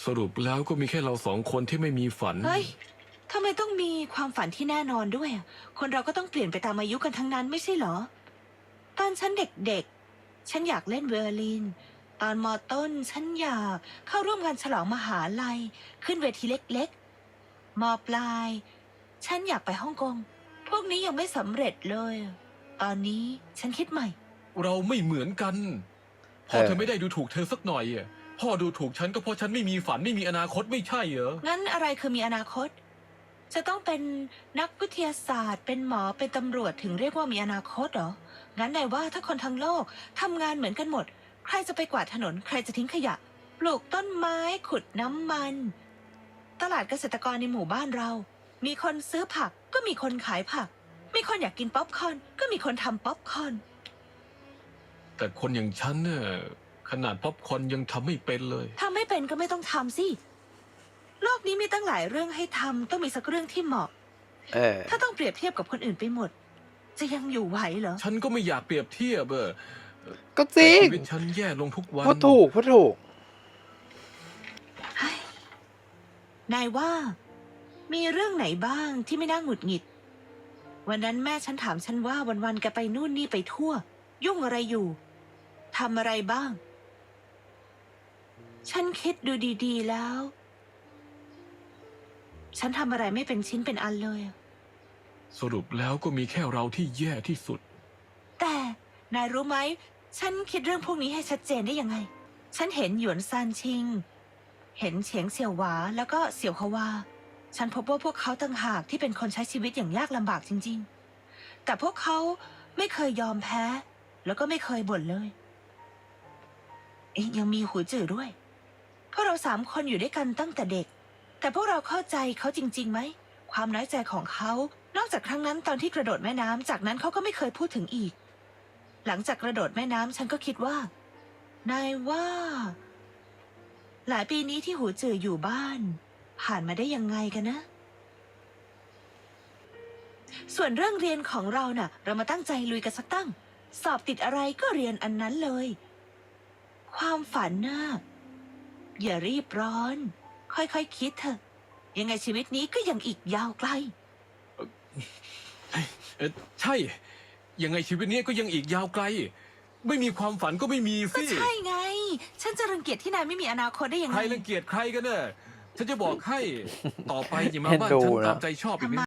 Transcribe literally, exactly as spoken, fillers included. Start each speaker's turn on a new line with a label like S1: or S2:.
S1: สรุปแล้วก็มีแค่เราสองคนที่ไม่มีฝัน
S2: เฮ้ยทำไมต้องมีความฝันที่แน่นอนด้วยอะคนเราก็ต้องเปลี่ยนไปตามอายุกันทั้งนั้นไม่ใช่เหรอ ตอนฉันเด็กๆ ฉันอยากเล่นไวโอลิน ตอนมอต้นฉันอยากเข้าร่วมงานฉลองมหาลัย ขึ้นเวทีเล็กๆ มอปลาย ฉันอยากไปฮ่องกง พวกนี้ยังไม่สำเร็จเลย ตอนนี้ฉันคิดใหม่
S1: เราไม่เหมือนกันพ่อเธอไม่ได้ดูถูกเธอสักหน่อยอ่ะพ่อดูถูกฉันก็เพราะฉันไม่มีฝันไม่มีอนาคตไม่ใช่เหรอ
S2: งั้นอะไรคือมีอนาคต จะต้องเป็นนักวิทยาศาสตร์ เป็นหมอเป็นตำรวจถึงเรียกว่ามีอนาคตเหรอ งั้นนายว่าถ้าคนทั้งโลกทำงานเหมือนกันหมด ใครจะไปกวาดถนน ใครจะทิ้งขยะ ปลูกต้นไม้ขุดน้ำมัน ตลาดเกษตรกรในหมู่บ้านเรา มีคนซื้อผักก็มีคนขายผัก มีคนอยากกินป๊อปคอร์นก็มีคนทำป๊อปคอร์น
S1: แต่คนอย่างฉันเนี่ยขนาดป๊อปคอร์นยังทำไม่เป็นเลย
S2: ทำไม่เป็นก็ไม่ต้องทำสิโลกนี้มีตั้งหลายเรื่องให้ทำต้องมีสักเรื่องที่เหมาะ
S3: เออ
S2: ถ้าต้องเปรียบเทียบกับคนอื่นไปหมด จะยังอยู่ไหวเหรอ
S1: ฉันก็ไม่อยากเปรียบเทียบเออ
S3: ก็จริง
S1: ชีวิตฉันแย่ลงทุกวัน
S3: พูดถูกพูดถูก
S2: นายว่า มีเรื่องไหนบ้างที่ไม่น่าหงุดหงิด วันนั้นแม่ฉันถามฉันว่าวันๆแกไปนู่นนี่ไปทั่ว ยุ่งอะไรอยู่ทำอะไรบ้าง ฉันคิดดูดีๆแล้ว ฉันทำอะไรไม่เป็นชิ้นเป็นอันเลย
S1: สรุปแล้วก็มีแค่เราที่แย่ที่สุด
S2: แต่นายรู้ไหมฉันคิดเรื่องพวกนี้ให้ชัดเจนได้ยังไง ฉันเห็นหยวนซานชิง เห็นเฉียงเสี่ยวหวาแล้วก็เสี่ยวฮวาฉันพบว่าพวกเขาต่างหากที่เป็นคนใช้ชีวิตอย่างยากลำบากจริงๆแต่พวกเขาไม่เคยยอมแพ้แล้วก็ไม่เคยบ่นเลยเอ๊ะยังมีหูจื่อด้วยพวกเราสามคนอยู่ด้วยกันตั้งแต่เด็กแต่พวกเราเข้าใจเขาจริงๆไหมความน้อยใจของเขานอกจากครั้งนั้นตอนที่กระโดดแม่น้ำจากนั้นเขาก็ไม่เคยพูดถึงอีกหลังจากกระโดดแม่น้ำฉันก็คิดว่านายว่าหลายปีนี้ที่หูจื่ออยู่บ้านผ่านมาได้ยังไงกันนะ ส่วนเรื่องเรียนของเราน่ะ เรามาตั้งใจลุยกันสักตั้ง สอบติดอะไรก็เรียนอันนั้นเลย ความฝันน่ะอย่ารีบร้อน ค่อยๆ คคิดเถอะยังไงชีวิตนี้ก็ยังอีกยาวไกล
S1: เออใช่ยังไงชีวิตนี้ก็ยังอีกยาวไกลไม่มีความฝันก็ไม่มี
S2: ก็
S1: สิ
S2: ใช่ไง ฉันจะรังเกียจที่นายไม่มีอนาคตได้ยังไง
S1: ใครรังเกียจใครกันเนี่ยฉันจะบอกให้ต่อไปอย่ามาบ้านฉันตามใจชอบอีกนะ